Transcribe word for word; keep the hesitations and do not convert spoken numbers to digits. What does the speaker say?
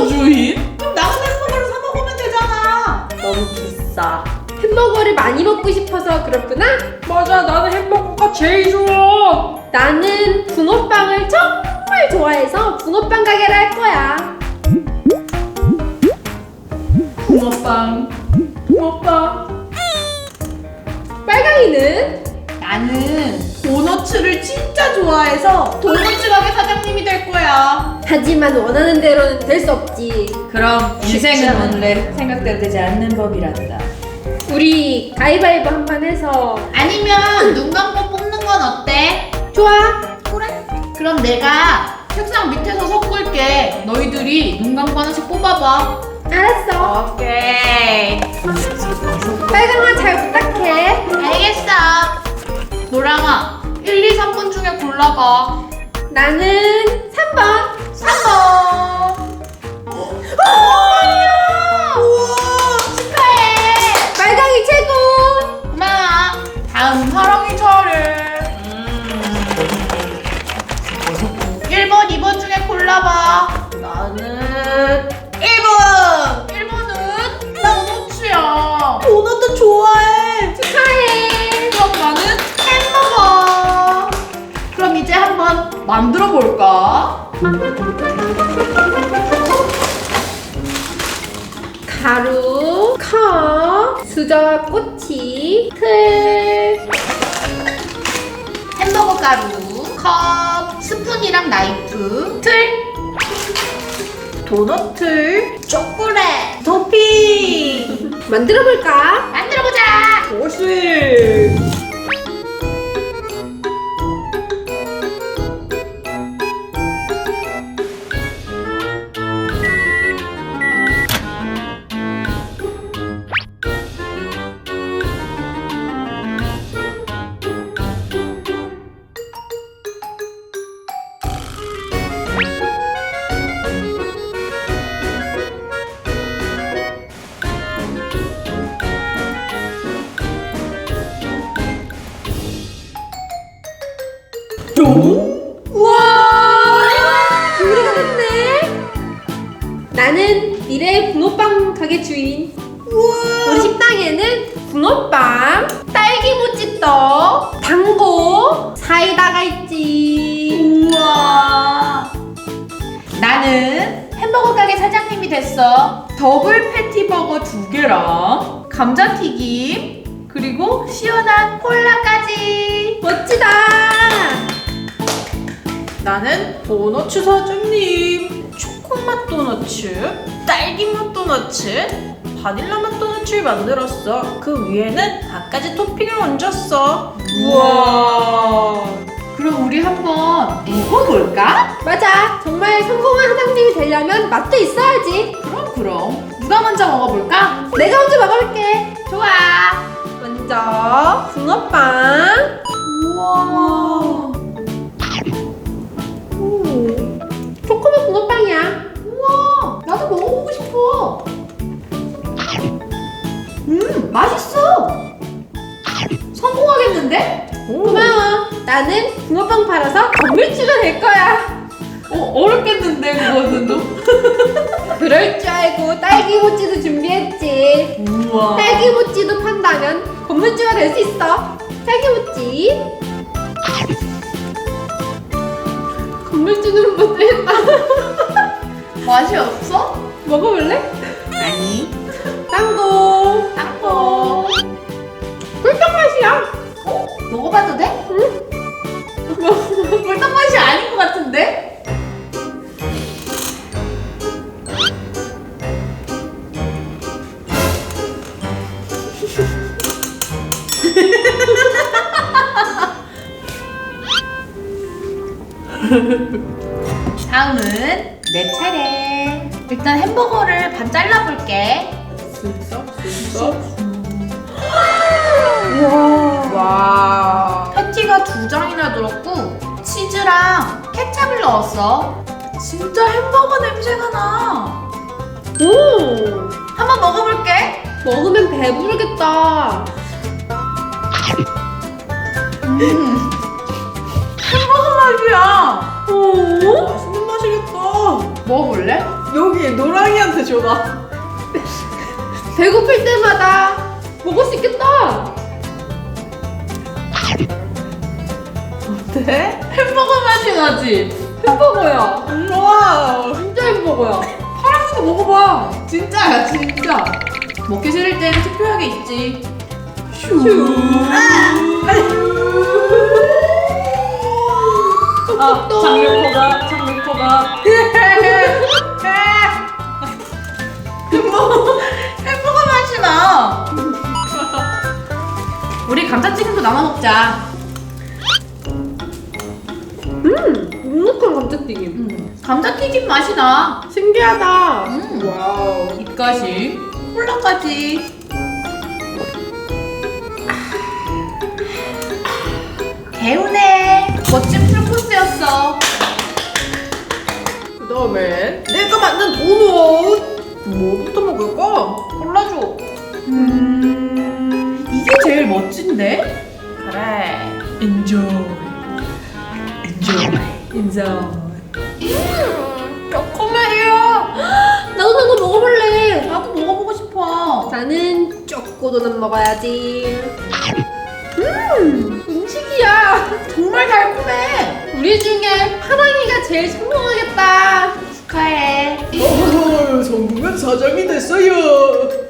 햄버거 주인? 그럼 나가서 햄버거를 사 먹으면 되잖아. 너무 비싸. 햄버거를 많이 먹고 싶어서 그렇구나? 맞아, 나는 햄버거가 제일 좋아. 나는 붕어빵을 정말 좋아해서 붕어빵 가게를 할 거야. 붕어빵, 붕어빵. 빨강이는? 나는 도너츠를 진짜 좋아해서 도너츠 가게 사장님이 될 거야. 하지만 원하는 대로는 될 수 없지. 그럼 인생은 원래 생각대로 되지 않는 법이란다. 우리 가위바위보 한 번 해서. 아니면 눈 감고 뽑는 건 어때? 좋아. 그래. 그럼 내가 책상 밑에서 섞을게. 너희들이 눈 감고 하나씩 뽑아봐. 알았어. 오케이. 빨강아 잘 부탁해. 알겠어. 노랑아, 일, 이, 삼 번 중에 골라봐. 나는 삼 번. 삼 번. 아니야. 우와, 축하해. 빨강이 최고. 고마워. 다음 사랑이 차례. 일 번, 이 번 중에 골라봐. 나는 일 번. 일 번은 도너츠야. 도너츠 좋아해. 축하해. 그럼 나는 햄버거. 그럼 이제 한번 만들어 볼까? 가루, 컵, 수저와 꼬치, 틀. 햄버거 가루, 컵, 스푼이랑 나이프, 틀, 도넛 틀, 초콜릿, 토핑. 만들어볼까? 만들어보자. 오씨. 우와! 요리가 됐네. 나는 미래의 붕어빵 가게 주인. 우리 식당에는 붕어빵, 딸기모찌떡, 당고, 사이다가 있지. 우와. 나는 햄버거 가게 사장님이 됐어. 더블 패티버거 두 개랑 감자튀김 그리고 시원한 콜라까지. 멋지다. 나는 도너츠 사장님. 초코맛 도너츠, 딸기맛 도너츠, 바닐라맛 도너츠를 만들었어. 그 위에는 갖가지 토핑을 얹었어. 우와. 그럼 우리 한번 먹어볼까? 맞아. 정말 성공한 사장님이 되려면 맛도 있어야지. 그럼 그럼. 누가 먼저 먹어볼까? 내가 먼저 먹어볼게. 좋아. 먼저 붕어빵. 우와. 음, 초코맛 붕어빵이야. 우와. 나도 먹어보고 싶어. 음, 맛있어. 성공하겠는데? 고마워. 나는 붕어빵 팔아서 건물주가 될 거야. 어, 어렵겠는데, 그거는 또? 그럴 줄 알고 딸기모찌도 준비했지. 우와. 딸기모찌도 판다면 건물주가 될 수 있어. 딸기모찌. 건물주는 못했다. 맛이 없어? 먹어볼래? 아니. 땅고. 땅콩. 꿀떡 맛이야. 어? 먹어봐도 돼? 응? 꿀떡 맛이 아닌 것 같은데? 다음은 내 차례. 일단 햄버거를 반 잘라볼게. 쓱싹, 쓱싹. 와. 패티가 두 장이나 들었고 치즈랑 케찹을 넣었어. 진짜 햄버거 냄새가 나. 오. 한번 먹어볼게. 먹으면 배부르겠다. 음. 햄버거 맛이야. 오. 맛있는 맛이겠다. 먹어볼래? 여기 노랑이한테 줘라. 배고플 때마다 먹을 수 있겠다. 어때? 햄버거 맛이 나지? 햄버거야. 와. 진짜 햄버거야. 파랑새도 먹어봐. 진짜야, 진짜. 먹기 싫을 땐 투표하게 있지. 슈. 아, 장르코가, 장르코가. 햄버거, 햄버거 맛이 나. 우리 감자튀김도 나눠 먹자. 음, 눅눅한 감자튀김. 음, 감자튀김 맛이 나. 신기하다. 음. 와우. 입가심, 콜라까지. 개운해. 멋진 풀코스였어. 그 다음에 내가 만든 도넛. 뭐부터 먹을까? 골라줘. 음, 이게 제일 멋진데? 그래. Enjoy. Enjoy. 인정. 조그매요. 나도 나도 먹어볼래. 나도 먹어보고 싶어. 나는 쪼꼬도넛 먹어야지. 음, 음식이야. 정말 달콤해. 우리 중에 파랑이가 제일 성공하겠다. 축하해. 어, 성공한 사장이 됐어요.